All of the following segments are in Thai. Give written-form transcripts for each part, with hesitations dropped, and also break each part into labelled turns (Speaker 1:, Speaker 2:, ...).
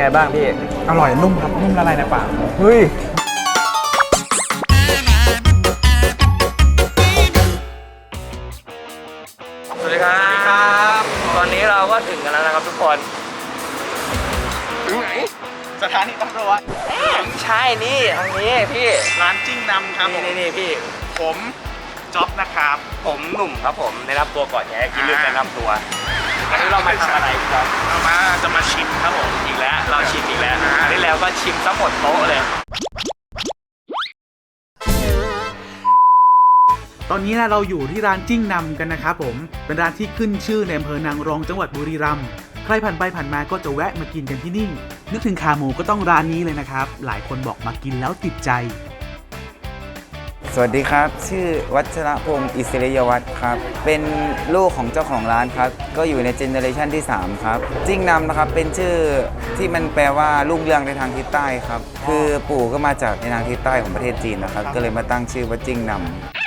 Speaker 1: ไงบ้างพี่
Speaker 2: อร่อยนุ่มครับนุ่มละลายในปาก
Speaker 1: เฮ้ยสวัสดีครับตอนนี้เราก็ถึงกันแล้วนะครับทุกคน
Speaker 2: ถึงไหนสถานีตำรวจ
Speaker 1: ใช่นี่ทางนี้พี่
Speaker 2: ร้านจิ้งนำครับ
Speaker 1: นี่พี่
Speaker 2: ผมจ๊อบนะครับ
Speaker 1: ผมหนุ่มครับผมแนะนำตัวก่อนไงกินเรื่องแนะนำตัววันนี้เรามาทำอะไรพี่จ๊อบ
Speaker 2: จะมาชิมครับผม
Speaker 1: อีกแล้วเราชิมอีกแล้วครั้งที่แล้วก็ชิมซะหมดโต๊ะเลย
Speaker 2: ตอนนี้นะเราอยู่ที่ร้านจิ้งนำกันนะครับผมเป็นร้านที่ขึ้นชื่อในอำเภอนางรองจังหวัดบุรีรัมย์ใครผ่านไปผ่านมาก็จะแวะมากินกันที่นี่นึกถึงขาหมูก็ต้องร้านนี้เลยนะครับหลายคนบอกมากินแล้วติดใจ
Speaker 3: สวัสดีครับชื่อวัชรพงศ์อิสริยวัฒน์ครับเป็นลูกของเจ้าของร้านครับก็อยู่ในเจเนอเรชันที่3ครับจิ้งนำนะครับเป็นชื่อที่มันแปลว่ารุ่งเรืองในทางทิศใต้ครับคือปู่ก็มาจากในทางทิศใต้ของประเทศจีนนะครับก็เลยมาตั้งชื่อว่าจิ้งนำ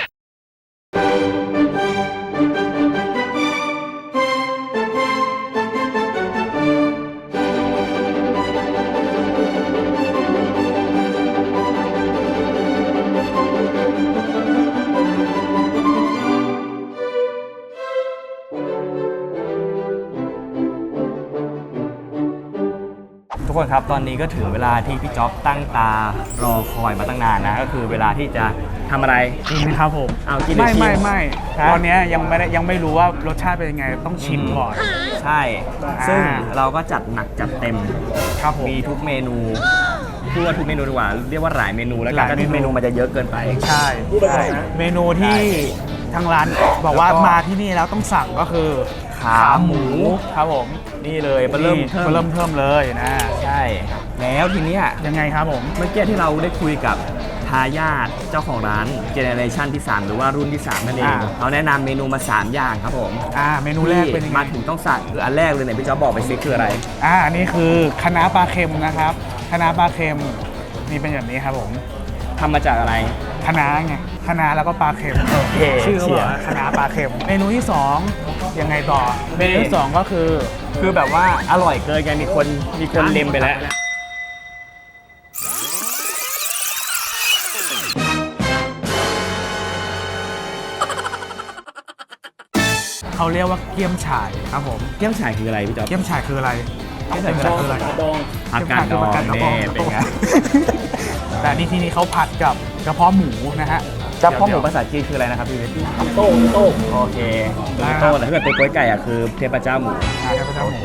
Speaker 1: ทุกคนครับตอนนี้ก็ถึงเวลาที่พี่จ๊อบตั้งตารอคอยมาตั้งนานนะก็คือเวลาที่จะทำอะไร
Speaker 2: กินครับผม
Speaker 1: เอากิน
Speaker 2: ไม่ตอนนี้ยังไม่รู้ว่ารสชาติเป็นยังไงต้องชิมก่อน
Speaker 1: ใช่ซึ่งเราก็จัดหนักจัดเต็ม
Speaker 2: ครับผม
Speaker 1: มีทุกเมนูพูดว่าทุกเมนูดีกว่าเรียกว่าหลายเมนูแล้วกันทุกเมนูมันจะเยอะเกินไป
Speaker 2: ใช่เมนูที่ทางร้านบอกว่ามาที่นี่แล้วต้องสั่งก็คือ
Speaker 1: ขาหมู
Speaker 2: ครับผม
Speaker 1: นี่เลยเริ่มเ
Speaker 2: ทิมเลยนะ
Speaker 1: ใช่แล้วทีนี้
Speaker 2: ยังไงครับผม
Speaker 1: เมื่อกี้ที่เราได้คุยกับทายาทเจ้าของร้านเจเนอเรชันที่3หรือว่ารุ่นที่3นั่นเองเขาแนะนำเมนูมา3อย่างครับผม
Speaker 2: เมนูแรกเป็นยังไง
Speaker 1: มาถึงต้องสั่งคืออันแรกเลยเนี่ยพี่จ๊อบบอกไปซิคืออะไร
Speaker 2: อันนี้คือคะน้าปลาเค็มนะครับคะน้าปลาเค็มนี่เป็นแบบนี้ครับผม
Speaker 1: ทำมาจากอะไร
Speaker 2: คะน้าไงคะน้าแล้วก็ปลาเค็มชื่อว่าคะน้าปลาเค็มเมนูที่2ยังไงต่อเมนูที่2ก็
Speaker 1: คือแบบว่าอร่อยเกินไงมีคนเล็มไปแล้ว
Speaker 2: เขาเรียกว่าเกี๊ยมฉ่ายครับผม
Speaker 1: เกี๊ยมฉ่ายคืออะไรพี่จ๊อบ
Speaker 2: เกี๊ยมฉ่ายคืออะไร
Speaker 1: ผักกาดดองเนี่ย
Speaker 2: แต่นี่ที่นี่เขาผัดกับกระเพาะหมูนะฮะ
Speaker 1: กระเพาะหมูภาษาจีนคืออะไรนะครับพี่วิทย์โต้โอเคโต้แต่ถ้าเกิดเป็นก๋วยไก่คือเทพเจ้าหมู
Speaker 2: เทพเจ้าหมู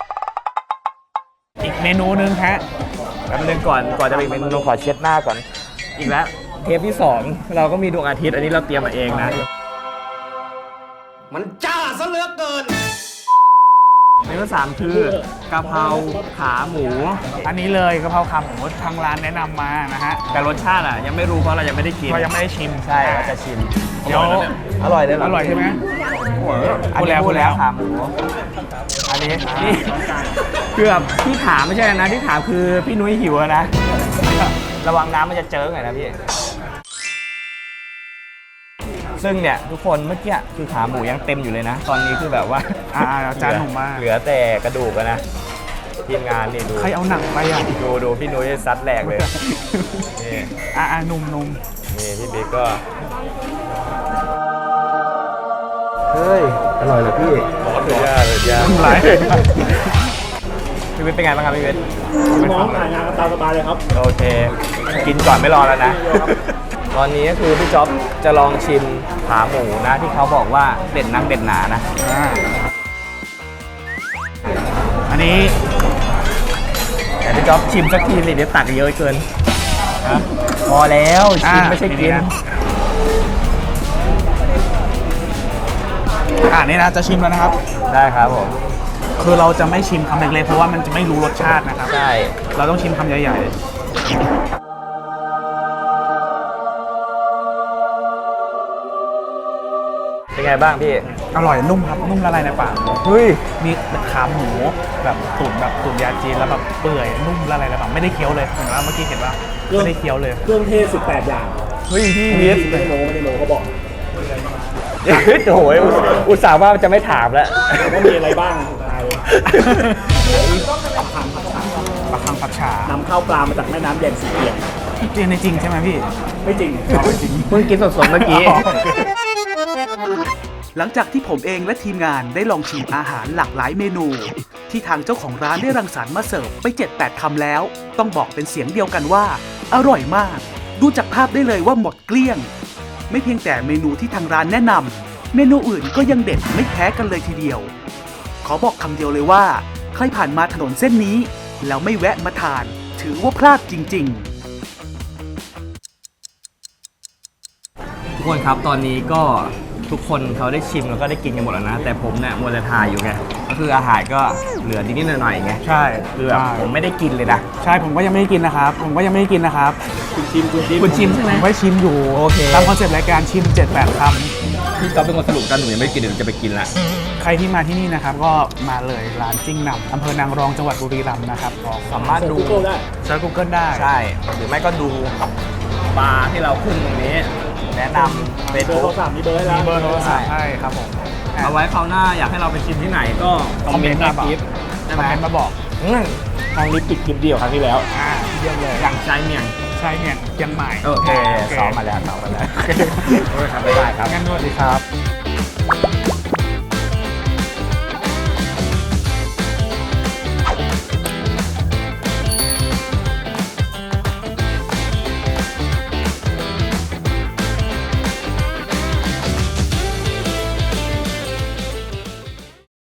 Speaker 2: อีกเมนูนึงฮะ
Speaker 1: แล้วเรื่องก่อนจะไปเมนูขอเช็ดหน้าก่อนอีกแล้วเทปที่2เราก็มีดวงอาทิตย์อันนี้เราเตรียมมาเองนะ
Speaker 4: มันจ้าซะเหลือเกิน
Speaker 1: เมนู3คือกะเพราขาหมู
Speaker 2: อันนี้เลยกะเพราขาหมูทางร้านแนะนำมานะฮะ
Speaker 1: แต่รสชาติยังไม่รู้เพราะเรายังไม่ได้กิน
Speaker 2: เรายังไม่ได้ชิม
Speaker 1: ใช่เราจะชิม
Speaker 2: เดี๋ยว
Speaker 1: อร่อยเลย
Speaker 2: อร่อยใช่ไหม
Speaker 1: พูดแล้วขาหมูอันนี้นี่เกือบที่ถามไม่ใช่นะที่ถามคือพี่นุ้ยหิวนะระวังน้ำมันจะเจิ่งหน่อยนะพี่ซึ่งเนี่ยทุกคนเมื่อกี้คือขาหมูยังเต็มอยู่เลยนะตอนนี้คือแบบว่า
Speaker 2: จานหนุ่มมาก
Speaker 1: เหลือแต่กระดูกนะทีมงานนี่ดู
Speaker 2: ใครเอาหนังไป
Speaker 1: ดูพี่นุ้ยซัดแหลกเลย
Speaker 2: นี่นุ่ม
Speaker 1: นี่พี่บิ๊กก็เฮ้ยอร่อยเลยพี่สุดยอดเลย
Speaker 2: หลาย
Speaker 1: พี่วิทย์เป็นไงบ้างครับพี่วิทย์
Speaker 4: น้องถ่ายงานตามสบายเลยครับ
Speaker 1: โอเคกินก่อนไม่รอแล้วนะตอนนี้ก็คือพี่จ๊อบจะลองชิมขาหมูนะที่เขาบอกว่าเด็ดนักเด็ดหนานะ
Speaker 2: อันนี้
Speaker 1: แต่พี่จ๊อบชิมสักทีสิเดี๋ยวตักเยอะเกินพอแล้วชิมไม่ใช่กิน
Speaker 2: นี่นะจะชิมแล้วนะครับ
Speaker 1: ได้ครับผม
Speaker 2: คือเราจะไม่ชิมคำเล็กๆเพราะว่ามันจะไม่รู้รสชาตินะครับ
Speaker 1: ใช่
Speaker 2: เราต้องชิมคำใหญ่ๆ
Speaker 1: เป็นไงบ้างพี่
Speaker 2: อร่อยนุ่มครับนุ่มละลายในปาก
Speaker 1: เฮ้ย
Speaker 2: มีขาหมูแบบตุ๋นยาจีนแล้วแบบเปื่อยนุ่มละลายในปากไม่ได้เคี้ยวเลยเห็นว่าเมื่อกี้เห็นว่าไม่ได้เคี้ยวเลย
Speaker 4: เครื่องเทศ18อย่าง
Speaker 1: เฮ้ยพี่วิทย์
Speaker 4: ไม่ได้โม้เขาบอก
Speaker 1: โอ้ยอุตส่าห์ว่าจะไม่ถามแล้ว
Speaker 4: ว่ามีอะไรบ้าง
Speaker 2: ปลาคังผัดฉ่าน
Speaker 5: ำเข้าปลามาจากแม่น้ำแยงสีเอียง
Speaker 2: จริงในจริงใช่ไหมพี่
Speaker 5: ไม่จริงเอาไม่จริง
Speaker 1: เพิ่งกินสดๆเมื่อกี้
Speaker 2: หลังจากที่ผมเองและทีมงานได้ลองชิมอาหารหลากหลายเมนู ที่ทางเจ้าของร้านได้รังสรรค์มาเสิร์ฟไป 7-8 คำแล้ว ต้องบอกเป็นเสียงเดียวกันว่า อร่อยมาก ดูจากภาพได้เลยว่าหมดเกลี้ยง ไม่เพียงแต่เมนูที่ทางร้านแนะนำเมนูอื่นก็ยังเด็ดไม่แพ้กันเลยทีเดียว ขอบอกคำเดียวเลยว่า ใครผ่านมาถนนเส้นนี้ แล้วไม่แวะมาทาน ถือว่าพลาดจริง ๆ
Speaker 1: ทุกคนครับตอนนี้ก็ทุกคนเขาได้ชิมแล้วก็ได้กินกันหมดแล้วนะ แต่ผมเนี่ยมัวแต่ถ่ายอยู่ไงก็คืออาหารก็เหลือนิดๆหน่อยๆไง
Speaker 2: ใช่
Speaker 1: คือแบบผมไม่ได้กินเลยนะ
Speaker 2: ใช่ผมก็ยังไม่ได้กินนะครับ ผมก็ยังไม่ได้กินนะครับ
Speaker 1: คุณชิมใช่ไหม
Speaker 2: ผมก็ชิมอยู่
Speaker 1: โอเค
Speaker 2: ตามคอนเซปต์รายการชิม 7-8 คำ
Speaker 1: พี่ก๊อฟเป็นคนสรุปกันหนูยังไม่กินเดี๋ยวจะไปกินละ
Speaker 2: ใครที่มาที่นี่นะครับก็มาเลยร้านจิ้งนำอำเภอนางรองจังหวัดบุรีรัมย์นะครับก็
Speaker 1: สามารถดู
Speaker 5: Google ได้
Speaker 2: เซิร์ช Google ได้
Speaker 1: ใช่ หรือไม่ก็ดูบาร์ที่เราขึ้นตรงนี้ แนะนำเฟซ
Speaker 5: เบอร์
Speaker 1: บุ๊
Speaker 5: โทรศัพท์มีเบอร์ให้แล้ว
Speaker 2: มีเบอร์โทรศัพท์ให้ครับผม
Speaker 1: เอาไว้คราวหน้าอยากให้เราไปชิมที่ไหนก็คอมเมนต์ใต้คลิป
Speaker 2: คอมเมนต์มาบอก
Speaker 5: ทางลิปปิดคลิปเดียวครั้งที่แล้ว
Speaker 2: เยี่ยมเลย
Speaker 1: อย่างใจเมียง
Speaker 2: ใช่เนี่ยเชียงใหม่
Speaker 1: โอเคซ้อมมาแล้วซ้อมมาแล้วโอเคครับบ๊ายบายครับ
Speaker 2: งั้นสวัสดีครับ